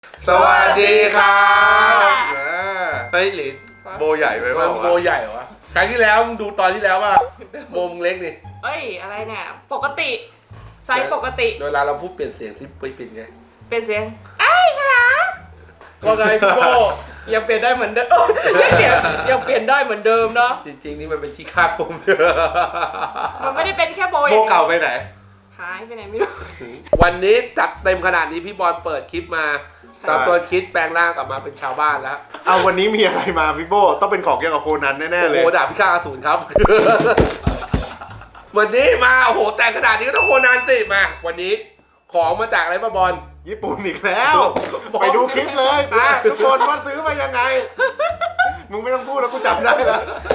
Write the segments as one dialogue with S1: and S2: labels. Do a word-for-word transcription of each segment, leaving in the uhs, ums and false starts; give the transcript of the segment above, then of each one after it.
S1: สวัสดีครับเฮ้ยหลินโบใหญ่ไปป่าวะ
S2: โบใหญ่เหรอวะครั้งที่แล้วมึงดูตอนที่แล้วป่ะโบมึงเล็กนี่
S3: เอ้ยอะไรเนี่ยปกติไซส์ปกติ
S2: เวลาเราพูดเปลี่ยนเสียงซิไปเปลี่ยนไง
S3: เป็นเสียงไอ้ครับว่าไงพี่โบยังเปลี่ยนได้เหมือนเดิมเออยังเปลี่ยนยังเปลี่ยนได้เหมือนเดิมเนาะ
S2: จริงๆนี่มันเป็นที่คาดผม
S3: มันไม่ได้เป็นแค่โบ
S1: โบเก่าไปไหน
S3: หายไปไหนไม่รู้
S2: วันนี้จัดเต็มขนาดนี้พี่บอลเปิดคลิปมาตามตัวคิดแปลงร่างกลับมาเป็นชาวบ้านแล้ว
S1: เอาวันนี้มีอะไรมาพี่โบต้องเป็นของเกี่ยวกับโคนันแน่ๆ
S2: โอ้
S1: เล
S2: โห
S1: ย
S2: ดาบพิฆาตอสูรครับ วันนี้มาโอ้โหแต่งขนาดนี้ก็ต้องโคนันสิมาวันนี้ของมาจากอะไรป้าบอล
S1: ญี่ปุ่นอีกแล้ว ไปดูคลิปเลยมาทุกคนว่าซื้อมายังไง มึงไม่ต้องพูดแล้วกูจำได้แล้ว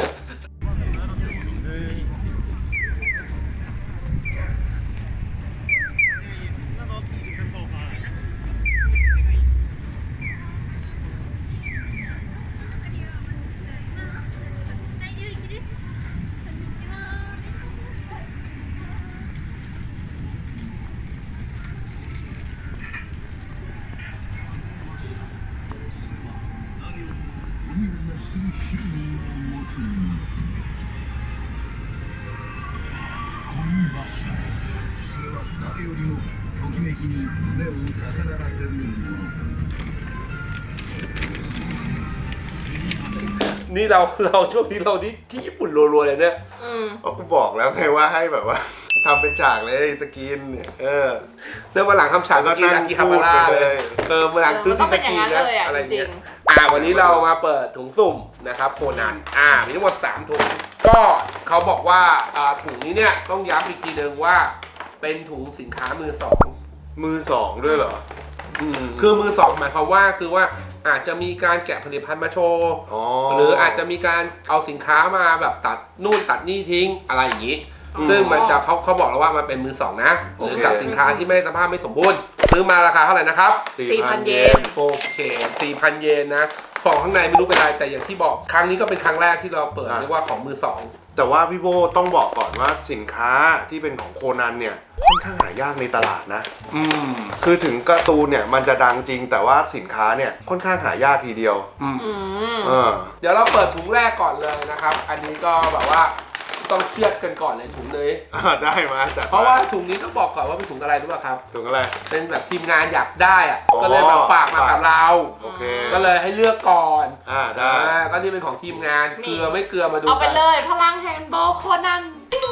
S2: นี่เราเราช่วงนี้เราที่ที่ญี่ปุ่นรัวๆเลยเนี่ย
S3: อืม
S1: ก็กูบอกแล้วไงว่าให้แบบว่าทำเป็นฉากเลยสกินเนี่ยเออ
S2: เรื่องวันหลังคำฉาก
S1: แล้วก็
S2: กินอากิฮาบาระ
S1: นั่งพูดไป
S2: เล
S1: เลย ย
S2: เออวันหลังซื้อ
S3: มันต้
S2: ที่
S3: องเป็น
S2: ตะ
S3: อย่าง
S2: กี
S3: นั้น
S2: นะ
S3: เลยอ่ะ
S2: อะไร
S3: จริ
S2: เงี้
S3: ง
S2: ยอ่าวันนี้เรามาเปิดถุงสุ่มนะครับโคนันอ่ามีทั้งหมดสามถุงก็เขาบอกว่าอ่าถุงนี้เนี่ยต้องย้ำอีกทีนึงว่าเป็นถุงสินค้ามือสอง
S1: มือสองด้วยเหรออืม
S2: คือมือสองหมายความว่าคือว่าอาจจะมีการแกะผลิตภัณฑ์มาโชว์
S1: อ๋อ
S2: หรืออาจจะมีการเอาสินค้ามาแบบตัดนู่นตัดนี่ทิ้งอะไรอย่างนี้ ซึ่งมันจะเขาเขาบอกแล้วว่ามันเป็นมือสองนะหรือกับสินค้าที่ไม่สภาพไม่สมบูรณ์ซื้อมาราคาเท่าไหร่นะครับ
S3: สี่พันเยน
S2: โอเค สี่พัน เยนนะ ของข้างในไม่รู้เป็นอะไรแต่อย่างที่บอกครั้งนี้ก็เป็นครั้งแรกที่เราเปิดเรียกว่าของมือสอง
S1: แต่ว่าพี่โบต้องบอกก่อนว่าสินค้าที่เป็นของโคนันเนี่ยค่อนข้างหายากในตลาดนะ
S2: อืม
S1: คือถึงการ์ตูนเนี่ยมันจะดังจริงแต่ว่าสินค้าเนี่ยค่อนข้างหายากทีเดียว
S2: อืม
S3: อืม
S1: เออ
S2: เดี๋ยวเราเปิดถุงแรกก่อนเลยนะครับ อันนี้ก็แบบว่าต้องเชือดกันก่อนเลยถุงเลย
S1: อ่าได้มาจัดม
S2: เพราะว่าถุงนี้ต้องบอกก่อนว่าเป็นถุงอะไรรู้ป่ะครับ
S1: ถุงอะไร
S2: เป็นแบบทีมงานอยากได้อะ
S1: อ๋อ
S2: ก็เลยแบบฝากมากับเรา
S1: โอเค
S2: ก็เลยให้เลือกก่อน
S1: อ่าได้
S2: อ่าก็นี่เป็นของทีมงานเกลือไม่เกลือมาดู
S3: เอาไป
S2: กัน
S3: เลยพลังแห่งโบโคนัน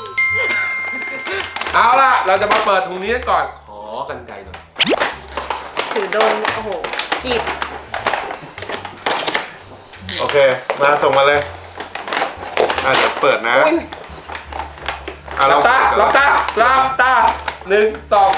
S2: เอาล่ะเราจะมาเปิดถุงนี้ก่อนขอกันไกลหน่อย
S3: ถือโดนโอ้โหกรีด
S1: โอเคมาส่งมาเลยอ่าเดี๋ยวเปิดนะ
S3: อุ้ย
S1: อ่ะ
S2: ลับตา
S1: เปิด
S2: ลับตาลับตาหนึ่งสอง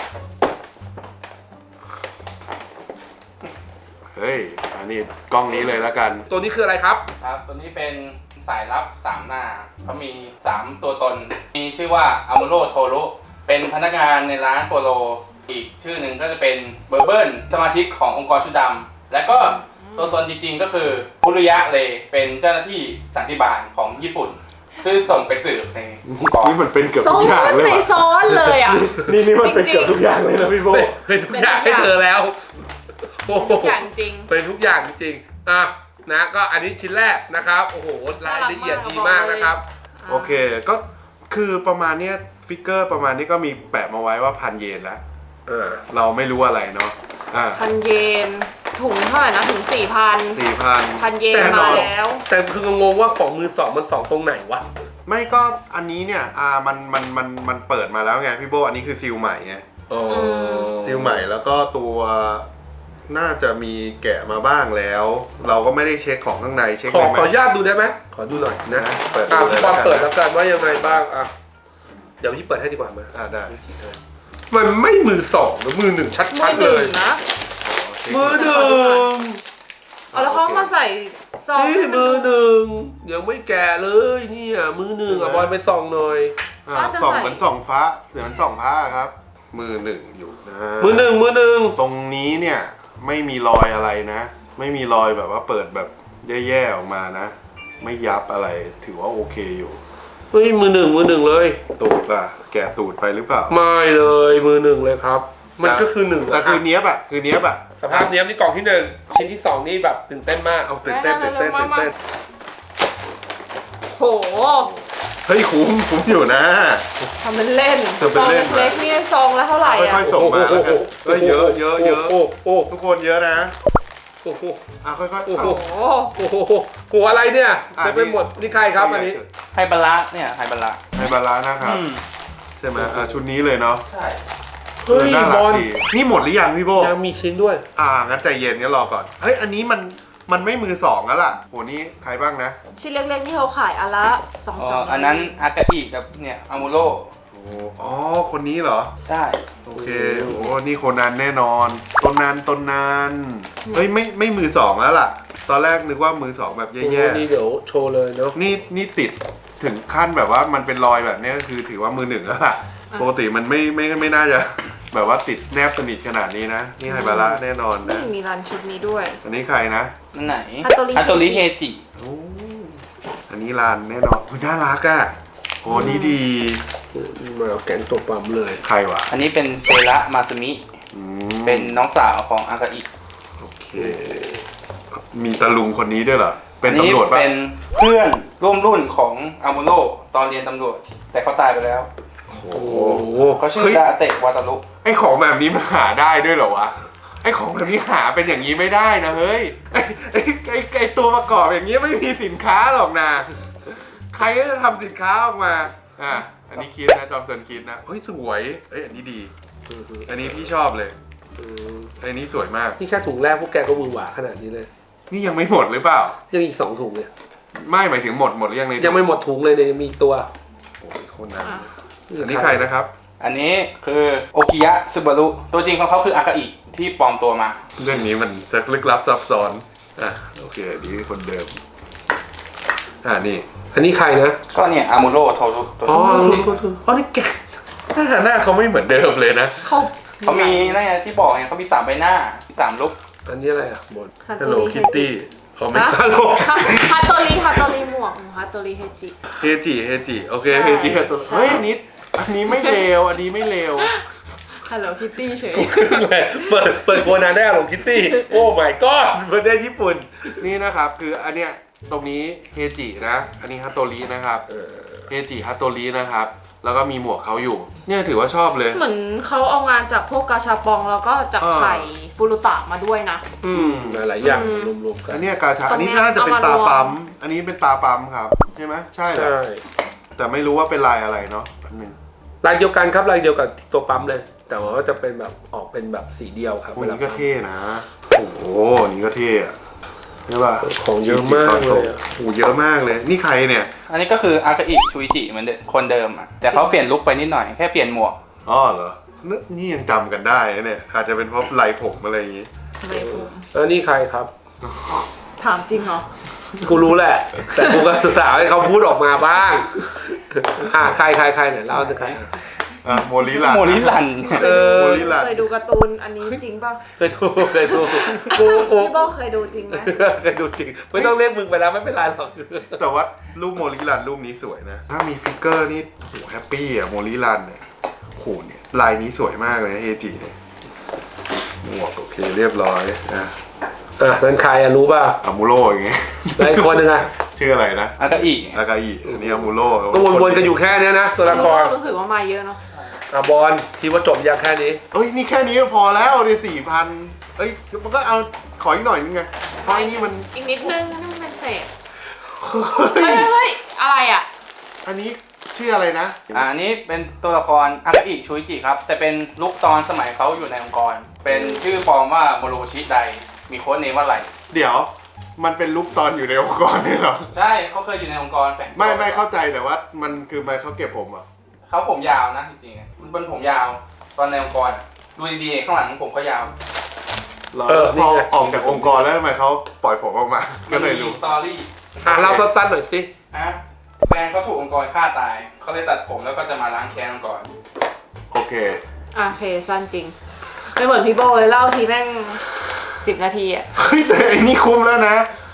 S1: เฮ้ยอันนี้กล้องนี้เลยแล้วกัน
S2: ตัวนี้คืออะไรครับ
S4: ครับตัวนี้เป็นสายลับสามหน้าเขามีสามตัวตน มีชื่อว่าอามูโรโทรุเป็นพนักงานในร้านโปโล อีกชื่อหนึ่งก็จะเป็นเบอร์เบิร์นสมาชิกขององค์กรชุดดำและก็ตัวตนจริงๆก็คือฟุรุยะเลเป็นเจ้าหน้าที่สันติบาลของญี่ปุ่น ซึ่งส่งไปสืบในองค์กร
S1: นี่มันเป็นเกือบ
S3: ซ้อ
S1: ทุกอย่าง
S3: น
S1: เลย
S3: ไป
S1: ว่ะ
S3: ซ้อนเลยอ่ะ
S1: นี่นี่มันเป็น
S3: จริงๆ
S1: เกือบทุกอย่างเลยนะพี่โบ
S2: เป็นเป็นทุกอย่างให้เธอแล้วโอ้โห
S3: เป็นทุกอย่างจริง
S2: เป็นทุกอย่างจริงๆอ่ะนะก็อันนี้ชิ้นแรกนะครับโอ้โหรายละเอียดดีมากนะครับ
S1: โอเคก็คือประมาณเนี้ยฟิกเกอร์ประมาณนี้ก็มีแปะมาไว้ว่าพันเยนแล้ว
S2: เออ
S1: เราไม่รู้อะไรเนาะอ่า
S3: พันเยนถุงเท่าไหร่นะถุงสี่พัน
S1: สี่พัน
S3: พันเยน
S2: แต่หรอ
S3: มาแล้ว
S2: แต่คืองงว่าของมือสองมันสองตรงไหนวะ
S1: ไม่ก็อันนี้เนี่ยอ่ามันมันมันมันเปิดมาแล้วไงพี่โบอันนี้คือซิลใหม่ไง
S2: อ๋อ
S1: ซิลใหม่แล้วก็ตัวน่าจะมีแกะมาบ้างแล้ว เราก็ไม่ได้เช็คของข้างในเช็ค
S2: ขอ
S1: เลยไห
S2: ข
S1: ม
S2: ออนุญาตดูได้ไหมขอดูหน่อยนะ
S1: นะเปิด
S2: อ่ะ
S1: ดูเลย
S2: บอล
S1: แล้วกัน
S2: เปิดแล้วกันว่ายังไงบ้างอ่ะเดี๋ยวพี่เปิดให้ดีกว่ามา
S1: อ่าได้
S2: มันไม่มือสองหรือมือหนึ่งชั
S3: มื
S2: ด
S3: อ
S2: ๆ
S3: ห
S2: เล
S3: นึ่ง
S2: ย
S3: นะ
S2: มือหนึ่ง
S3: เอาแล้วเขามาใส่ซอง
S2: นี่มือหนึ่งยังไม่แก่เลยเนี่ยมือหนึ่งอ่ะบอลไปส่องหน่อย
S1: อ่าส่องเหมือนส่องฟ้าเหมือนส่องผ้าครับ มือหนึ่งอยู่นะ
S2: มือหนึ่งมือหนึ่ง
S1: ตรงนี้เนี่ยไม่มีรอยอะไรนะ ไม่มีรอยแบบว่าเปิดแบบแย่ๆออกมานะ ไม่ยับอะไรถือว่าโอเคอยู่
S2: เฮ้ยมือหนึ่งมือหนึ่งเลย
S1: ตูดล่ะแกะตูดไปหรือเปล่า
S2: ไม่เลยมือหนึ่งเลยครับ มันก็คือหนึ่ง
S1: แต่คือเนี้ยบอะคือเนี้ยบอะ
S2: สสภาพเนี้ยนี่กล่องที่หนึ่งชิ้นที่สองนี่แบบตื่นเต้นมาก
S1: เอาตื่นเต้นตื่นเต้นตื่นเต้น
S3: โห
S1: เฮ้ยคุ้มคุ้มอยู่นะ
S3: ทำเป็นเล่น
S1: ทำเป็น
S3: ซอง
S1: เล่น
S3: เล็กๆนี่ซองละเท่าไหร่
S1: ค่
S3: อ่ะ
S1: อยๆส่งมาแล้วกันเฮ้ยเยอะเยอะเยอะ
S2: โอ้โห
S1: ทุกคนเยอะนะ
S2: โอ้โห
S1: อ่ะค่อยๆ
S2: โอ้โห
S1: เอา
S3: โอ้โห
S2: โอ้โหหัวอะไรเนี่ย
S1: อ่ะ
S2: เต็มไปหมดนี่ใครครับอันนี้
S4: ไฮบาระเนี่ยไฮบาระ
S1: ไฮบาระนะครับ
S4: อืม
S1: ใช่ไหมอ่ะชุดนี้เลยเนาะ
S4: ใช่
S2: เฮ้ย
S1: น่า
S2: บ
S1: รั
S2: อก ล
S1: ดีนี่หมดหรือยังพี่โบ
S2: ยังมีชิ้นด้วย
S1: อ่างั้นใจเย็นงั้นรอก่อนเฮ้ยอันนี้มันมันไม่มือสองแล้วล่ะโหนี่ใครบ้างนะ
S3: ชิ้นเล็กๆที่เขาขายอันละสอง
S4: อ๋อ
S3: สาม
S4: อันนั้นอากาอิกับเนี่ยอามูโร
S1: โอ้อ๋อคนนี้เหรอ
S4: ใช่
S1: โอเคโอ้นี่คนนั้นแน่นอนต้นนั้นต้นนั้นเฮ้ยไม่ไม่มือสองแล้วล่ะ ตอนแรกนึกว่ามือสองแบบ
S2: โอ้โห
S1: แย่
S2: นี่เดี๋ยวโชว์เลยเนาะ
S1: ๆนี่นี่ติดถึงขั้นแบบว่ามันเป็นรอยแบบนี้ก็คือถือว่ามือหนึ่งแล้วล่ะปกติมันไม่ไม่ไม่น่าจะ แบบว่าติดแนบสนิทขนาดนี้นะนี่ไฮบาระแน่นอน
S3: นี่
S1: นะ
S3: มีรันชุดนี้ด้วย
S1: อันนี้ใครนะ
S4: นั่นไหน
S3: ฮัตโตริ
S4: ฮัตโตริเฮจิ
S1: โอ้อันนี้ลานแน่นอนอุ๊ยน่ารักอ่ะโอ้นี่ดี
S2: มาเอาแกงตัวปั๊มเลย
S1: ใครวะ
S4: อันนี้เป็นเซระมาซึมิ
S1: อืม
S4: เป็นน้องสาวของอากาอิ
S1: โอเค มีตะลุงคนนี้ด้วยเหรอ เป็น
S4: อั
S1: ตำรวจปะ
S4: เป็นเพื่อนร่วมรุ่นของอามูโรตอนเรียนตำรวจ แต่เขาตายไปแล้ว
S1: โอ้โห
S2: โอ้โห
S4: เขาชื่อ
S1: เฮ้ย
S4: ดาเตะวาตารุ
S1: ไอของแบบนี้มันหาได้ด้วยเหรอวะ ไอของแบบนี้หาเป็นอย่างนี้ไม่ได้นะเฮ้ย ไอไอไอไอตัวประกอบอย่างนี้ไม่มีสินค้าหรอกนะ ใครก็จะทำสินค้าออกมา อ่ะ อันนี้คิดนะจอมจนคิดนะ เฮ้ยสวย เอ้ยอันนี้ดี อันนี้พี่ชอบเลย
S2: อืม
S1: อันนี้สวยมาก
S2: นี่แค่ถุงแรกพวกแกก็มือหวาขนาดนี้เลย
S1: นี่ยังไม่หมดหรือเปล่า
S2: ยังอีกสองถุงเนี่ย
S1: ไม่หมายถึงหมดหมดหรือยังใน
S2: ยังไม่หมดถุงเลยเนี่ยยังมีอีกตัว
S1: โอ้ยคนนั้น
S3: อ่ะ
S1: อันนี้ใครนะครับ
S4: อันนี้คือโอกิยะซึบารุตัวจริงของเขาคืออากาอิที่ปลอมตัวมา
S1: เรื่องนี้มันจะลึกลับซับซ้อน อ่ะโอเคอันนี้คนเดิม อ่านี่
S2: อันนี้ใครนะ
S4: ก็เนี่ยอามูโรโทรุตัว
S2: อ๋อ
S4: นี้
S2: โทษโทษ
S1: อ๋อนี่แกหน้าหน้าเขาไม่เหมือนเดิมเลยนะ
S3: เขา
S4: เขามีนั่นไงที่บอกไงเขามีสามใบหน้าสามลุก
S2: อันนี้อะไรอ่ะหมด
S3: ฮัต
S1: ฮัล
S3: โต
S1: โหล
S3: ริ
S1: คิตตี้เขาไม่
S3: ฮะ
S1: ฮัลโหล
S3: ฮัตโตริฮัตโตริหมวกฮัตโตริเฮจิ
S1: เฮจิเฮจิโอเค
S3: ใช่
S1: เฮจิตัว
S3: ใช่
S1: เฮ้ยอันนี้อันนี้ไม่เลวอันนี้ไม่เลว
S3: ฮัลโหลคิตตี้เฉย
S2: เปิดเปิดโคนาได้หลงคิตตี้ โอ้ my god
S1: ประเทศญี่ปุ่น นี่นะครับคืออันเนี้ยตรงนี้เฮจินะ อันนี้ฮัตโตรินะครับ
S2: เออ
S1: เฮจิฮัตโตรินะครับ แล้วก็มีหมวกเขาอยู่ เนี่ยถือว่าชอบเลย
S3: เหมือนเขาเอางานจากพวกกาชาปองแล้วก็จาก
S1: อ่า
S3: ไข่ฟูรุตะมาด้วยนะ
S1: อืม
S2: หลายๆอย่าง
S3: อืม
S2: รวมๆกั
S1: อั
S2: น
S1: นเนี้ยกาชา
S3: ตร
S1: อัน
S3: งเนี้
S1: นี้
S3: ย
S1: น่าจะเป็น
S3: เอามาร
S1: ตาว
S3: ม
S1: ปั๊ม อันนี้เป็นตาปั๊มครับ ใช่ไหมใช่แหละ
S2: ใช่
S1: แต่ไม่รู้ว่าเป็นลายอะไรเนาะอันหนึ่ง
S2: ลายเดียวกันครับลายเดียวกับตัวปั๊มเลย แต่ว่าจะเป็นแบบออกเป็นแบบสีเดียวครับ
S1: โอ้
S2: เวลา
S1: นี่ก็เท่นะ โอ้โหนี่ก็เท่อะใช่ป่ะ
S2: ของเยอะมากเลยอะ
S1: โอ้โหเยอะมากเลย นี่ใครเนี่ย
S4: อันนี้ก็คืออากาอิชูอิจิเหมือนเดิมคนเดิมอ่ะแต่เขาเปลี่ยนลุคไปนิดหน่อยแค่เปลี่ยนหมวก
S1: อ๋อเหรอ นี่นี่ยังจำกันได้นะเนี่ย อาจจะเป็นเพราะลายผมอะไรอย่างงี้
S3: เลยผม
S2: แล้วนี่ใครครับ
S3: ถามจริงเหรอ
S2: กูรู้แหละ แต่กูก็ศึกษาให้เขาพูดออกมาบ้าง อ่าใครใครใครเนี่ยเล่าสิใคร
S1: อ่ะโมลิลัน
S4: โมลิลัน
S2: เออ
S1: โมลิลัน
S3: เคยดูการ์ตูนอันนี้จริงป่ะ
S2: เคยดูเคยดูกูกู
S3: พี่โบเคยดูจริงไหม
S2: เคยดูจริง ไม่ต้องเรียกมึงไปแล้วไม่เป็นไรหรอก
S1: แต่ว่ารูปโมลิลันรูปนี้สวยนะ ถ้ามีฟิกเกอร์นี่โหแฮปปี้อ่ะโมลิลันเนี่ยโหเนี่ยลายนี้สวยมากเลยนะเฮจิเนี่ยหมวกโอเคเรียบร้อยนะ
S2: อ่ะนั่นใครอ่ะรู้ป่ะ
S1: อามูโรอย่างเงี้ย
S2: แล้วอีกคนหนึงอ่ะ
S1: ชื่ออะไรนะ
S4: อากาอิ
S1: อากาอิอันนี้อามูโร
S2: ก็วนๆกันอยู่แค่เนี้ยนะตัวละคร
S3: รู้สึกว่ามาเยอะเนาะ
S2: อ่ะบอลคิดว่าจบยังแค่นี้
S1: เอ้ยนี่แค่นี้ก็พอแล้วเนี่ยสี่พันเอ้ยมันก็เอาขออีกหน่อยนึงไงเพราะไอ้นี่มัน
S3: อีกนิดนึงนี่มันเป็นเศษ
S1: เฮ้
S3: เฮ้
S1: ย
S3: ยเฮ้ยอะไรอ่ะ
S1: อันนี้ชื่ออะไรนะ
S4: อ่าอันนี้เป็นตัวละครอากาอิชูอิจิครับแต่เป็นลุคตอนสมัยเขาอยู่ในองค์กร เป็นชื่อปลอมว่าโมโรชิไดมีโค้ดเนมว่าอะไร
S1: เดี๋ยวมันเป็นลุกตอนอยู่ในองค์กรเนี่ยเหรอ
S4: ใช่เขาเคยอยู่ในองค์กรแฝงตัว
S1: ไม่ไม่เข้าใจแต่ว่ามันคือมันเขาเก็บผมเหรอ่ะ
S4: เขาผมยาวนะจริงๆมันเป็นผมยาวตอนในองค์กรอะดูดีๆข้างหลังผมก็ยาว
S2: เออ
S1: พอ
S2: นี่ไง
S1: ออกจากองค์กรแล้วทำไมเขาปล่อยผมออกมา ก็เลย
S4: มี
S1: รู้
S4: สตอรี่
S2: อ่ะเล่าสั้นๆหน่อยสิ
S4: ฮะแฟนเขาถูกองค์กรฆ่าตายเขาเลยตัดผมแล้วก็จะมาล้างแค้นองค์กร
S1: โอเค
S3: อ่ะโอเคสั้นจริง ไม่เหมือนพี่โบเลยเล่าทีแม่งสิบนาทีอ่ะ
S1: เฮ้ยแต่ไอ้นี่คุ้มแล้วนะ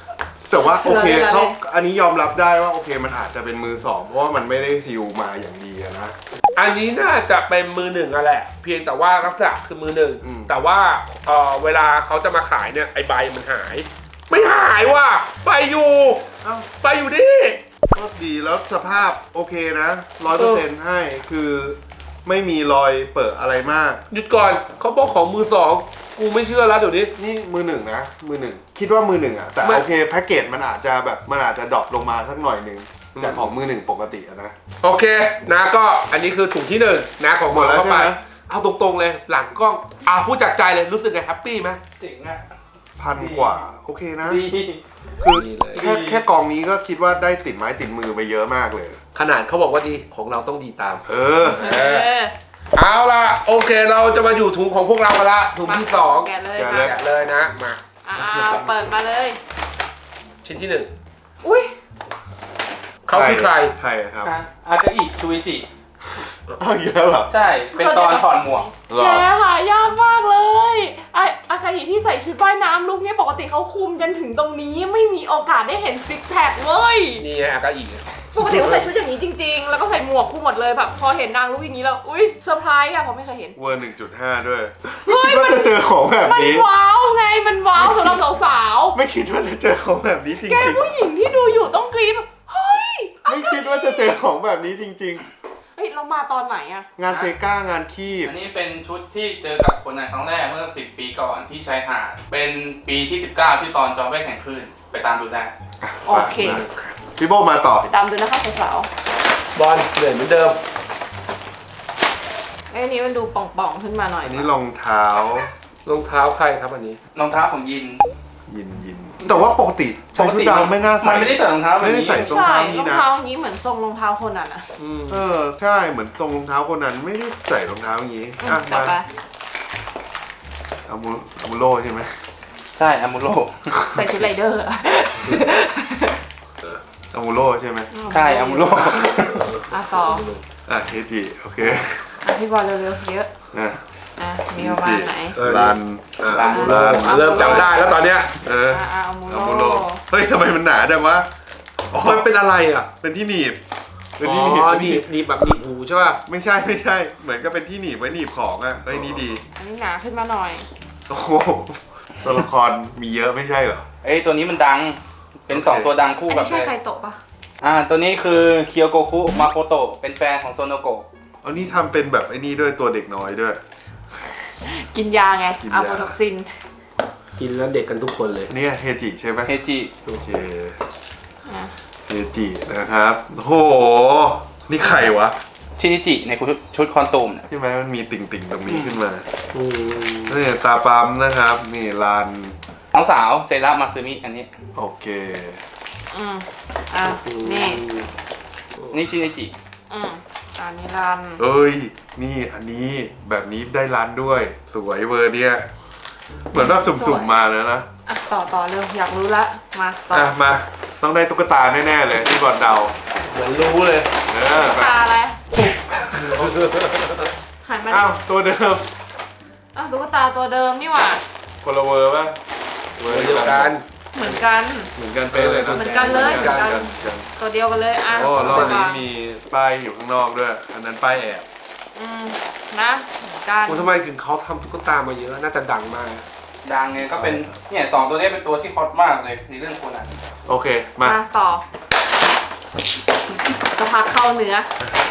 S1: แต่ว่าโอเค
S3: เราเล่น
S1: เขาอันนี้ยอมรับได้ว่าโอเคมันอาจจะเป็นมือสองเพราะว่ามันไม่ได้ซีลมาอย่างดีอะนะ
S2: อันนี้น่าจะเป็นมือหนึ่งอะแหละ เพียงแต่ว่าลักษณะคือมือหนึ่ง
S1: อืม
S2: แต่ว่าเออเวลาเขาจะมาขายเนี่ยไอใบมันหาย ไม่หายว่ะใบอยู่
S1: เอ้า
S2: ใบอยู่ดิ
S1: ก็ดีแล้วสภาพโอเคนะร้อยเปอร์เซ็นต์ให้คือไม่มีรอยเปิดอะไรมาก
S2: หยุดก่อนเขาบอกของมือสองกูไม่เชื่อแล้วเดี๋ยวนี้
S1: นี่มือหนึ่งนะ มือหนึ่งคิดว่ามือหนึ่งอะแต่
S2: ไม่
S1: โอเคแพ็กเกจมันอาจจะแบบมันอาจจะดรอปลงมาสักหน่อยหนึ่งจากของมือหนึ่งปกติอะนะ
S2: โอเคนะก็อันนี้คือถุงที่หนึ่งนะของหมอ
S1: หมดแล้ว
S2: เข้าไป
S1: ใช่ไหม
S2: เอาตรงๆเลยหลังกล้องอ่าพูดจากใจเลยรู้สึกไงแฮปปี้ไหม
S4: เจ๋งอ่ะ
S1: พันกว่าโอเคนะ
S4: ดี
S1: คือ
S2: ดีเลย
S1: แค่แค่กองนี้ก็คิดว่าได้ติดไม้ติดมือไปเยอะมากเลย
S2: ขนาดเขาบอกว่าดีของเราต้องดีตาม
S1: เออ
S3: เออ
S2: เอาล่ะโอเคเราจะมาอยู่ถุงของพวกเรากันละถุงที่สอง
S3: แกะเลย
S1: แกะ
S3: มา
S1: เลย
S2: แกะเลยนะมา
S3: อ่าเปิดมาเลย
S2: ชิ้นที่หนึ่ง
S3: อุ้ย
S2: เขาคือใคร
S1: ใครอะครับ
S4: อากาอิชูอิจิ
S1: เอาอีกแล้วเหรอ
S4: ใช่ เป็นตอนถอดหมวก
S1: หร
S3: แก
S1: อ
S3: หายากมากเลยไออากาฮิที่ใส่ชุดว่ายน้ำลุกเนี่ยปกติเขาคุมจนถึงตรงนี้ไม่มีโอกาสได้เห็นซิกแพคเว้ย
S2: นี่ไงอากาอิ
S3: ปกติเขาใส่ชุดอย่างนี้จริงๆ แล้วก็ใส่หมวกคู่หมดเลยแบบพอเห็นนางลุกอย่างนี้แล้วอุ้ยเซอร์ไพรส์อะผมไม่เคยเห็น
S1: เวอร์หนึ่งจุดห้าด้วย
S3: เฮ้
S1: ไม่
S3: ย
S1: คิดว่าจะเจอของแบบ
S3: มัน
S1: นี้
S3: ว้าวไงมันว้าวสำหรับสาว
S1: ไม่คิดว่าจะเจอของแบบนี้จ
S3: ๆแก
S1: ริง
S3: ผู้หญิงที่ดูอยู่ต้องกรี๊ดแบบเฮ้ย
S1: ๆ ไม่คิดว่าจะเจอของแบบนี้จริง
S3: เฮ้ยเรามาตอนไหนอะ
S1: ๆ งานเซก้างานคีบ
S4: อันนี้เป็นชุดที่เจอกับคนนั้นครั้งแรกเมื่อสิบปีก่อนที่ชายหาด เป็นปีที่สิบเก้าที่ตอนจอมแวกแห่งคลื่นไปตามดูได้
S3: โอเค
S1: มาพี่โบมาต่อ
S3: ไปตามดูนะคะสาว
S2: บอลเหนื่อยเหมือนเดิม
S3: ๆไอ้นี้มันดูป่องๆขึ้นมาหน่อย
S1: อันนี้รองเท้าร
S2: องเท้าใครครับอันนี้
S4: รองเท้าของยิน
S1: ยินยิน แต่ว่าปกติใส่ชุดดำไม่น่าใส่
S4: มันไม่ได้ใส่รองเท้าแบบ
S1: ไม่ได้
S4: นี้
S1: ใส่ รอง
S3: ใช่
S1: เท้านี้
S3: รอง
S1: นะ
S3: เท้าอย่างนี้เหมือนทรงรองเท้าคนนั้นอะ
S2: อืม
S1: เออใช่เหมือนทรงรองเท้าคนนั้นไม่ได้ใส่รองเท้าอย่างนี้อ่ะ
S3: ต่อ
S1: มา
S3: ไป
S1: อามูอามูโรใช่ไหม
S4: ใช่อามูโร
S3: ใส่ชุดไรเดอร์อะ
S1: อามูโรใช่ไหม
S4: ใช่อามูโร
S3: อ่ะต่อ
S1: อ่ะเคจิโอเค
S3: อ่ะพี่บอลเร็วๆเยอะ
S1: นะ
S3: อ่ะมีประมาณไหน
S2: เออ
S1: รัน
S2: อ่ะ
S1: รัน
S2: เริ่มเริ่มจำได้แล้วตอนเนี้ย
S1: เออ
S3: อ่ะอ่ะเอามู
S1: อา
S3: โร
S1: มูโรเฮ้ยทำไมมันหนาจังวะอ๋อ
S2: มันเป็นอะไรอ่ะ
S1: เป็นที่หนีบเป็น
S2: อ๋
S1: ที่หนีบ
S2: อ
S1: เป็น
S2: หนี
S1: ที่หนี
S2: บบ หนีบแบบหนีบหูใช่ป่ะ
S1: ไม่ใช่ไม่ใช่ เหมือนกับเป็นที่หนีบไว้หนีบของอ่ะเฮ้ยนี่ดี
S3: อันนี้หนาขึ้นมาหน่อย
S1: โอ้โหตัวละครมีเยอะไม่ใช่เหรอ
S4: เอ้ยตัวนี้มันดัง เป็นสองตัวดังคู่
S3: อัน
S4: กับ
S3: นี้ใช่ใครโตะปะ
S4: อ่าตัวนี้คือเคียวโกคุมาโคโตะเป็นแฟนของโซโนโกะ
S1: เอานี่ทำเป็นแบบไอ้นี่ด้วยตัวเด็กน้อยด้วย
S3: กินยาไง
S1: กินยา
S3: อะโฟท็อกซิน
S2: กินแล้วเด็กกันทุกคนเลย
S1: เนี่ยเฮจิใช่ไหม
S4: เฮจิ
S1: โอเค
S3: อ่ะ
S1: เฮจินะครับโอ้โหนี่ใครวะ
S4: ชินิจิในชุดคอนตูมเนี่ย
S1: ใช่ไหมมันมีติ่งติ่งๆตรงนี้ขึ้นมา
S2: อืม
S1: นี่ตาปั๊มนะครับนี่ลาน
S4: น้องสาวเซรามาซึมิอันนี้
S1: โอเค
S3: อืมอ่ะนี่
S4: นี่ชินิจิ
S3: อืมอันนี้รัน
S1: เอ้ยนี่อันนี้แบบนี้ได้ร้านด้วย สวยเวอร์เนี่ยเหมือนว่าสุ่มๆมาแล้วนะ
S3: อ่ะต่อต่อเร็วอยากรู้ละมาต่อ
S1: อ่ะมาต้องได้ตุ๊กตาแน่ๆเลยที่บอลเดา
S2: เหมือนรู้เลย
S1: เออไป
S3: ตาอะไรหันมาดิ
S1: อ้าวตัวเดิม
S3: อ้าวตุ๊กตาตัวเดิมนี่หว่า
S1: คนละเวอร์ป่ะ
S2: เหมือนเดียวกัน
S3: เหมือนกัน
S1: เหมือนกันเป๊ะเลยนะ
S3: เหมือนกันเลย
S1: หมือนกัน
S3: เหมือนกัน
S1: กัน
S3: ตัวเดียวกันเลยอ่ะ
S1: โอ้รอบนี้มีป้ายอยู่ข้างนอกด้วย อันนั้นป้ายแอบ
S3: อืมนะเหมือนกัน
S2: คุณทำไมถึงเขาทำตุ๊กตามาเยอะ น่าจะดังมาก
S4: ดังไงก็เป็นเนี่ยสองตัวนี้เป็นตัวที่ฮอตมากเลยในเรื่องโคนัน
S1: โอเคมา
S3: มาต่อสักพักเข้าเนื้อบ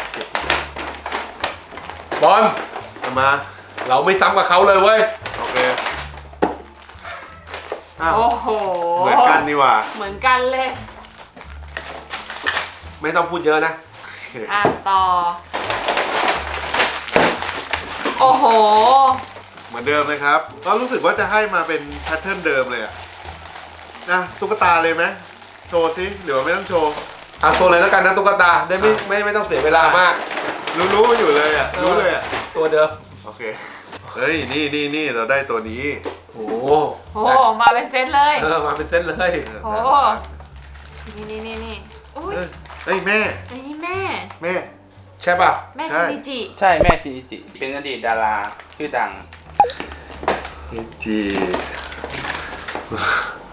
S2: อล
S1: เอามา
S2: เราไม่ซ้ำกับเขาเลยเว้ย
S1: โอเคอ้าว
S3: โอ้โห
S1: เหมือนกันนี่หว่า
S3: เหมือนกันเลย
S2: ไม่ต้องพูดเยอะนะ
S1: โอเค
S3: อ่ะต่อ โอ้โห
S1: เหมือนเดิมเลยครับก็รู้สึกว่าจะให้มาเป็นแพทเทิร์นเดิมเลยอะนะตุ๊กตาเลยไหมโชว์สิหรือว่าไม่ต้องโชว์
S2: เอาตัวเลยแล้วกันนะตุ๊กตา ได้ไม่ไม่ไม่ต้องเสียเวลามาก
S1: รู้รู้ๆอยู่เลยอ่ะรู้เลยอ่ะ
S2: ตัวเดิม
S1: โอเคเฮ้ยนี่นี่นี่เราได้ตัวนี้
S2: โอ้
S3: โอ้มาเป็นเซตเลย
S2: เออมาเป็นเส้นเลย
S3: โอ้นี่นี่นี่นี่อุ้ย
S1: เอ้ยเอ้ยแม่
S3: อันนี้แม่
S1: แม่
S2: ใช่ป่ะ
S3: แม่
S1: ใช่
S3: ชินิจิ
S4: ใช่แม่ชินิจิ เป็นอดีตดาราชื่อดัง
S1: เฮจิ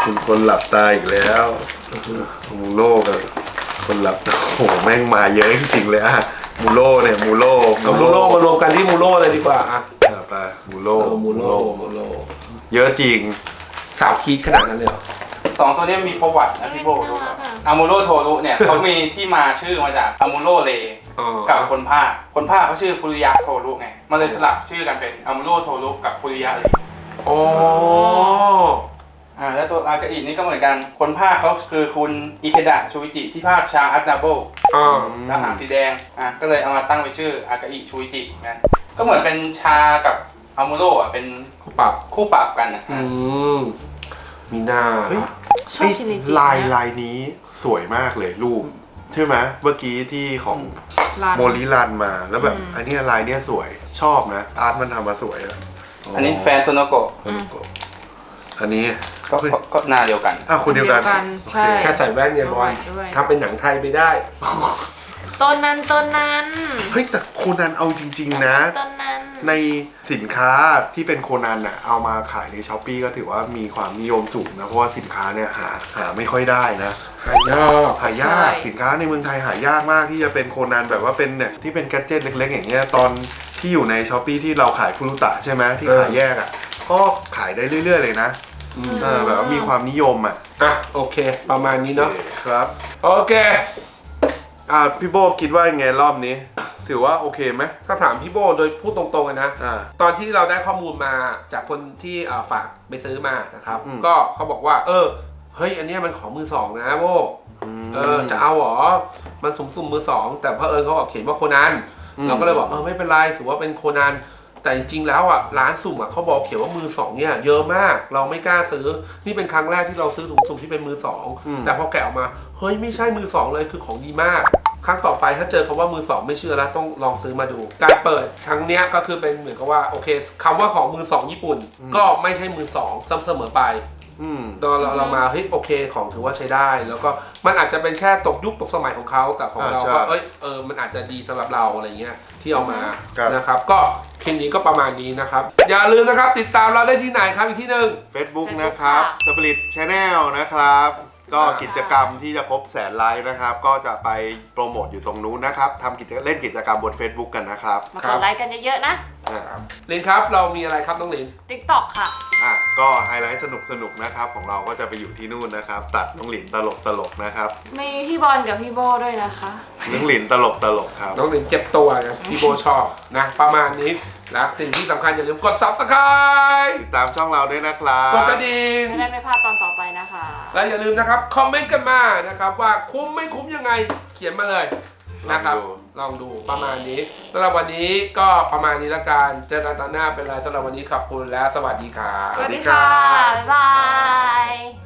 S1: คุณคนหลับตาอีกแล้วมูโร่กับคนหลับตาโอ้โหแม่งมาเยอะจริงๆเลยอะมูโร่เนี่ยมูโร่
S2: เอามูโร่มารวมกันที่มูโร่เลยดีกว่าอ่ะ
S1: อ่ะไปมูโร่
S2: เออมูโร่มูโร่
S1: เยอะจริง
S2: สาวคีดขนาดนั้นเลยเหรอ
S4: สองตัวนี้มีประวัตินะพี่โบรู้ครับอามูโรโทรุเนี่ยเขามีที่มาชื่อมาจากอามูโรเล
S2: อ๋อ
S4: กับคนภาคคนภาคเขาชื่อฟุริยะโทรุไงมันเลยสลับชื่อกันเป็นอามูโรโทรุกับฟุริยะเล
S2: อ๋อ
S4: อ่าแล้วตัวอากาอินี่ก็เหมือนกันคนภาคเขาคือคุณอิเคดะชูวิจิที่ภาคชาอัตนาโบ
S2: อ๋อ
S4: ทหารสีแดงอ่ะก็เลยเอามาตั้งเป็นชื่ออากาอิชูวิจิกันก็เหมือนเป็นชากับอามูโรอ่ะเป็น
S2: คู่ปรับ
S4: คู่ปรับกันอ่ะ
S2: อืมมีหน้า
S1: เฮ้ย
S3: ชอบชินิจิ
S1: ลาย
S3: นะ
S1: ลายนี้สวยมากเลยรูปใช่ไหมเมื่อกี้ที่ของ
S3: ร้าน
S1: โมลิรันมาแล้วแบบ
S3: อืม
S1: อันเนี้ยลายเนี้ยสวยชอบนะอาร์ตมันทำมาสวยอะ
S4: อันนี้แฟนโซโนโกะ
S3: อืม
S1: อันนี้
S4: ก็ก็ก็หน้าเดียวกัน
S1: อ้าวคนเดียวกัน
S3: ใช่
S2: แค่ใส่แว่นเนี่ยบอล
S3: ด้วย
S2: ทำเป็นหนังไทยไปได้
S3: ต้นนั้นต้นนั้น
S1: เฮ้ยแต่โคนันเอาจริง ๆ นะ
S3: ต้นนั้น
S1: ในสินค้าที่เป็นโคนันอะเอามาขายในช้อปปีก็ถือว่ามีความนิยมสูงนะเพราะว่าสินค้าเนี่ยหาหาไม่ค่อยได้นะ
S2: หายาก
S1: หายากสินค้าในเมืองไทยหายากมากที่จะเป็นโคนันแบบว่าเป็นเนี่ยที่เป็นแกดเจิตเล็ก ๆ อย่างเงี้ยตอนที่อยู่ในช้อปปีที่เราขายคุรุตะใช่ไหมที่ขายแยกอะก็ขายได้เรื่อย ๆ เลยนะ
S2: อืม
S1: เออแบบว่ามีความนิยมอะ
S2: อ่ะโอเค ประมาณนี้เนาะ
S1: ครับ
S2: โอเค
S1: อ่าพี่โบคิดว่ายังไงรอบนี้ ถือว่าโอเคไหม
S2: ถ้าถามพี่โบโดยพูดตรงๆกันนะ
S1: อ่า
S2: ตอนที่เราได้ข้อมูลมาจากคนที่เอ่อฝากไปซื้อมานะครับ
S1: อืม
S2: ก็เขาบอกว่า เออ เฮ้ย อันเนี้ยมันของมือสองนะโบ
S1: ม
S2: เออ จะเอาเหรอ มันสุ่มสุ่มๆมือสอง แต่เพอเอิญเขาบอกเขียนว่าโคนัน
S1: อืม
S2: เราก็เลยบอกเออไม่เป็นไร ถือว่าเป็นโคนัน แต่จริงๆแล้วอ่ะร้านสุ่มอ่ะเขาบอกเขียนว่ามือสองเนี่ยเยอะมาก เราไม่กล้าซื้อ นี่เป็นครั้งแรกที่เราซื้อถุงสุ่มที่เป็นมือสอง แต่พอแกะออกมา เฮ้ยไม่ใช่มือสองเลยคือของดีมาก ครั้งต่อไปถ้าเจอคำว่ามือสองไม่เชื่อแล้วต้องลองซื้อมาดู การเปิดครั้งเนี้ยก็คือเป็นเหมือนกับว่าโอเคคำว่าของมือสองญี่ปุ่น ก็ไม่ใช่มือสองเสมอไป
S1: อืม
S2: ตอนเราเรามาเฮ้ยโอเคของถือว่าใช้ได้ แล้วก็มันอาจจะเป็นแค่ตกยุคตกสมัยของเขาแต่ของเรา
S1: อ่าใช่
S2: ก็เอ้ยเออมันอาจจะดีสำหรับเราอะไรเงี้ยที่เอามา
S1: ครับ
S2: นะครับก็คลิปนี้ก็ประมาณนี้นะครับ อย่าลืมนะครับติดตามเราได้ที่ไหนครับอีกที่หนึ่ง
S1: Facebook
S3: Facebook
S1: นะครับ
S3: ค่ะ
S1: Split Channel นะครับ ก็
S2: อ่า
S1: กิจกรรมที่จะครบแสนไลค์นะครับ ก็จะไปโปรโมทอยู่ตรงนู้นนะครับทำกิจเล่นกิจกรรมบน Facebook กันนะครับ
S3: มากดไลค์กันเยอะๆนะ
S1: อ่า
S2: ลินครับเรามีอะไรครับน้องลิน
S3: TikTok ค่ะ
S1: อ่ะก็ไฮไลท์สนุกสนุกๆนะครับ ของเราก็จะไปอยู่ที่นู่นนะครับ ตัดน้องหลินตลกตลกๆนะครับ
S3: มีพี่บอลกับพี่โบด้วยนะคะ
S1: น้องหลินตลกตลกๆครับ
S2: น้องลินเจ็บตัวนะพี่โบชอบนะประมาณนี้และสิ่งที่สำคัญอย่าลืมกด ซับสไครบ์
S1: ติดตามช่องเราด้วยนะครับ
S2: กดกระดิ่ง
S3: ไม่ได้ไม่พลาดตอนต่อไปนะคะ
S2: และอย่าลืมนะครับ คอมเมนต์กันมานะครับ ว่าคุ้มไม่คุ้มยังไงเขียนมาเลยนะครับ ลองดูประมาณนี้สำหรับวันนี้ก็ประมาณนี้ละกันเจอกันตอนหน้าเป็นไรสำหรับวันนี้ขอบคุณและสวัสดีครับ
S3: สวัสดีค่ะ บ๊ายบาย